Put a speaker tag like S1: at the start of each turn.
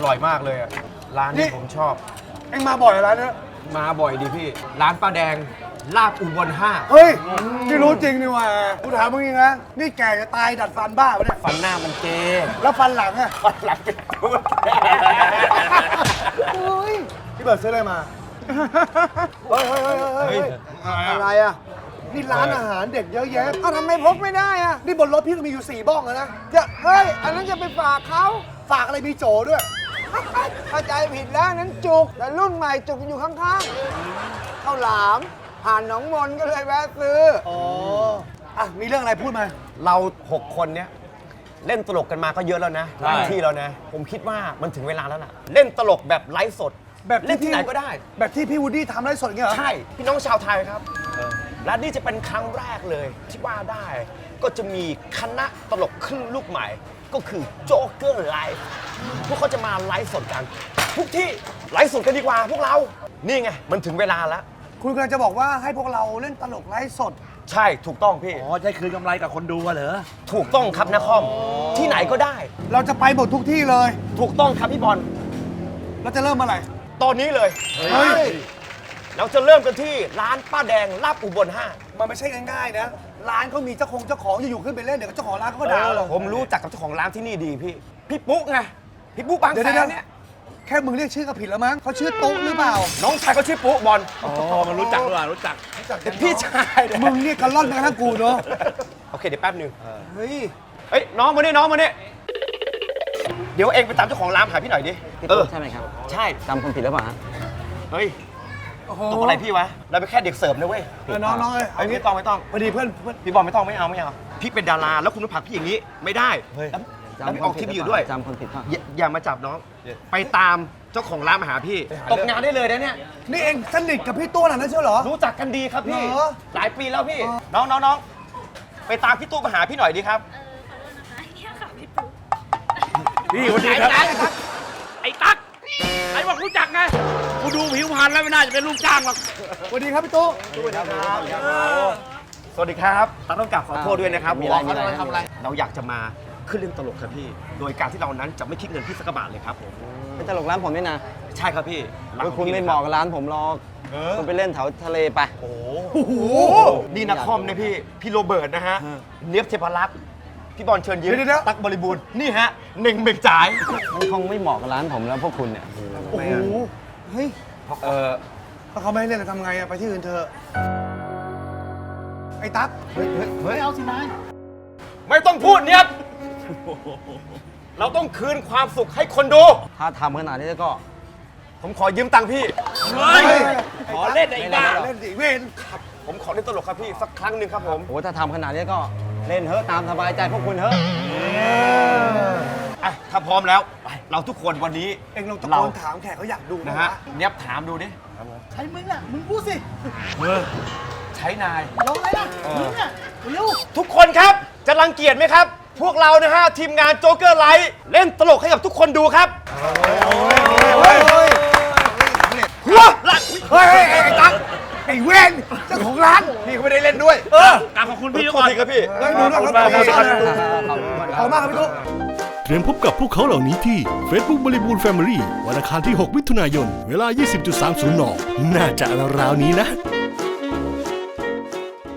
S1: ร่อยมากเลยอะร้านนี้ผมชอบ
S2: เอ็งมาบ่อยร้านนี้
S1: มาบ่อยดีพี่ ร้านป้าแดงลาบอุบล5
S2: เฮ้ยนี่รู้จริงนี่หว่ากูถามมึงจริงนะนี่แก่จะตายดัดฟันบ้าปะเนี่ย
S1: ฟันหน้ามันเจ
S2: แล้วฟันหลังอะ
S1: ฟันหลังเป็นพูด
S2: เฮ้ยพี่เบิร์ดซื้ออะไรมาเฮ้ยอะไรอะนี่ร้านอาหารเด็กเยอะแยะอ้าวทำไมพกไม่ได้อะนี่บนรถพี่ก็มีอยู่4 บ้องแล้วนะเฮ้ยอันนั้นจะไปฝากเขาฝากอะไรมีโจด้วย
S3: เข้าใจผิดแล้วนั้นจุกแต่รุ่นใหม่จุกอยู่ข้างๆข้าวหลามผ่านหนองมนก็เลยแวะซื้อ
S2: อ๋ออ่ะมีเรื่องอะไรพูดมา
S1: เรา 6 คนเนี้ยเล่นตลกกันมาก็เยอะแล้วนะหลายที่แล้วนะ ผมคิดว่ามันถึงเวลาแล้วล่ะ เล่นตลกแบบไลฟ์สด
S2: แบบที่
S1: เล่นที่ไหนก็ได้
S2: แบบที่พี่วูดดี้ทำไลฟ์สดอย่างเงี้ยเหรอ
S1: ใช่ พี่น้องชาวไทยครับ และนี่จะเป็นครั้งแรกเลยที่ว่าได้ ก็จะมีคณะตลกขึ้นลูกใหม่ ก็คือโจ๊กเกอร์ไลฟ์พวกเขาจะมาไลฟ์สดกัน ทุกที่ไลฟ์สดกันดีกว่าพวกเรา นี่ไง มันถึงเวลาแล้ว
S2: คุณกำลังจะบอกว่าให้พวกเราเล่นตลกไลฟ์สด
S1: ใช่ถูกต้องพี่
S4: อ๋อใช่คืนกำไรกับคนดูอะเหรอ
S1: ถูกต้องครับนครที่ไหนก็ได้
S2: เราจะไปหมดทุกที่เลย
S1: ถูกต้องครับพี่บอล
S2: เราจะเริ่มเมื่อไหร่
S1: ตอนนี้เลย
S2: เฮ้ย
S1: เราจะเริ่มกันที่ร้านป้าแดงลาบอุบล5
S2: มันไม่ใช่ง่ายๆนะ ร้านเขามีเจ้าของอยู่ๆขึ้นไปเล่นเดี๋ยวเจ้าของร้านเขาก็ด่าเรา
S1: ผมรู้จักกับเจ้าของร้านที่นี่ดีพี่ พี่ปุ๊กไง พี่ปุ๊กบาง
S2: เดี๋ยว
S1: แส
S2: เดี๋ย
S1: น
S2: ว
S1: เนี่ย
S2: แค่มึงเรียกชื่อก็ผิดแล้วมั้งเขาชื่อตุ๊หรือเปล่า
S1: น้องชายเขาชื่อปุ๊บอล
S4: อ๋อ มันรู้จักหรือเปล่ารู้จัก
S1: แต่พี่ชายเนี่ย
S2: มึงเรียกกันล่อนไปกระทั่งกูเนาะ
S1: โอเคเดี๋ยวแป๊บหนึง
S2: เฮ้ย
S1: เฮ้ยน้องมานี่น้องมานี่เดี๋ยวเองไปตามเจ้าของร้านหาพี่หน่อยดิ
S3: พี่ตุ๊กใช่ไหมครับ
S1: ใช่
S3: จำคนผิดหรือเปล่าฮะ
S1: เฮ้ย
S2: โอ้โห
S1: ตกอะไรพี่วะเราเป็นแค่เด็กเสิร์ฟนะเว้ย
S2: น้องๆเลย
S1: เฮ้ยไม่ต้องไม่ต้อง
S2: พอดีเพื่อน
S1: พี่บอลไม่ต้องไม่เอาพี่เป็นดาราแล้วคุณมาผลักพี่อย่างนี้ไม่ได้แล้วพี่ออกทีวีอยู่ด้วย
S3: จำคนผิดป่ะ
S1: อย่ามาจับน้อง ไปตามเจ้าของร้านมาหาพี่ ตกงานได้เลยนะเนี่ย
S2: นี่เองสนิทกับพี่ตัวหน่ะนะเชียวเหรอ
S1: รู้จักกันดีครับพี่
S2: เหรอ
S1: หลายปีแล้วพี่ น้องไปตามพี่ตู้มาหาพี่หน่อยดีครับ
S5: เนี่ยค่ะพี่ปุ๊ก
S4: นี่วันนี้ครับไอ้ตั๊กไอ้บอกรู้จักไง กูดูผิวพรรณแล้วไม่น่าจะเป็นลูกจ้างหรอก
S2: สวัสดีครับพี่ตุ๊
S1: สวัสดีครับต้องกราบขอโทษด้วยนะครับ
S3: มีอะไร
S1: ทำอะไรเราอยากจะมาขึ้นเล่นตลกครับพี่ โดยการที่เรานั้นจะไม่คิดเงินพี่สักกระบาทเลยครับผม
S3: เป็นตลกร้านผมนี่นะ
S1: ใช่ครับพี่ร้านของ
S3: คุณ
S1: พี่
S3: ไม่
S1: ลย
S3: เห
S1: รับ
S3: มาะกับร้านผมหรอก
S1: เออ
S3: คุณไปเล่นแถวทะเลไป
S1: โอ้โหนี่นักคอมนะพี่โรเบิร์ตนะฮะ เนียบเทพรักษ์พี่บอลเชิญยิ้มตั๊กบริบูรณ์นี่ฮะเน่งเบ่งจ่าย
S3: มันคงไม่เหมาะกับร้านผมแล้วพวกคุณเนี่ย
S2: โอ้โหเฮ้ย ถ้าเขาไม่ให้เล่นเราทำไงอะไปที่อื่นเถอะไอ้ตั๊กเฮ้ย
S4: ไม่เอาสินาย
S1: ไม่ต้องพูดเนียบเราต้องคืนความสุขให้คนดู
S3: ถ้าทำขนาดนี้ก็
S1: ผมขอยืมตังค์พี่
S4: เฮ้ย ขอเล่นไอ้บ้า
S2: เล่นดิเวน
S1: ผมขอเล่นตลกครับพี่สักครั้งหนึ่งครับผม
S3: โอ้ถ้าทำขนาดนี้ก็เล่นเถอะตามสบายใจพวกคุณเถอะ
S1: อ่ะถ้าพร้อมแล้วเราทุกคนวันนี้
S2: เองลองตะ
S1: เรา
S2: โกนถามแขกเขาอยากดู
S1: นะฮะเนียบถามดูดิ
S4: ใช้มึงอ่ะ มึงพูดสิ
S1: ใช้นาย
S4: ลองเลยนะมึงอ่ะเร็ว
S1: ทุกคนครับจะรังเกียจไหมครับ พวกเรานะฮะทีมงานโจ๊กเกอร์ไลท์เล่นตลกให้กับทุกคนดูครับ
S2: เฮ้ยเฮ้ย
S1: หัวหลัง
S2: เฮ้ยไอ้ตั๊กไอ้เวนเจ้าของร้าน
S1: พี่เขาไม่ได้เล่นด้วย
S4: กราบขอบคุณพี่
S1: ข
S4: ก่
S1: อ
S4: อน
S1: บคุณครับพี่
S2: เฮ้ยดูด้วยครับขอบคุณมากครับพี่ตุ๊
S6: เตรียมพบกับพวกเขาเหล่านี้ที่ Facebook บริบูรณ์ Family วันอังคารที่ 6 มิถุนายน เวลา 20.30 น น่าจะราวๆนี้นะ